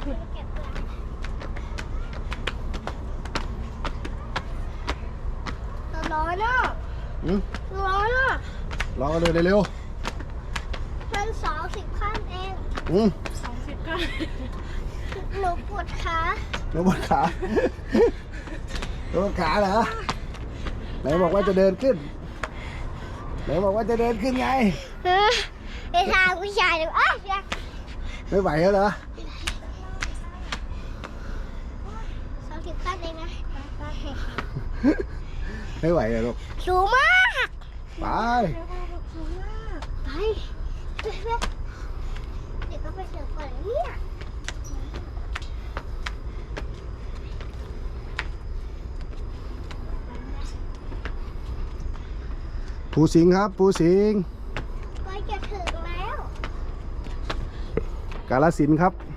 ร้อนอ่ะร้อนอ่ะรอกันเลยเร็วมัน20 ขั้นเอง 20 ขั้นหนูปวดขาแล้วปวดขาปวดขาเหรอไหนบอกว่าจะเดินขึ้นไหนบอกว่าจะเดินขึ้นไงไอ้ทางผู้ชายเลยอ้าวไม่ไหวแล้วเหรอ 20 ขั้นเองนะไม่ไหวเหรอลูกสูงมากไปไปเดี๋ยวก็ไปเสิร์ฟก่อนเนี่ยภูสิงห์ครับภูสิงห์ก็จะถึงแล้วกาฬสินธุ์ครับ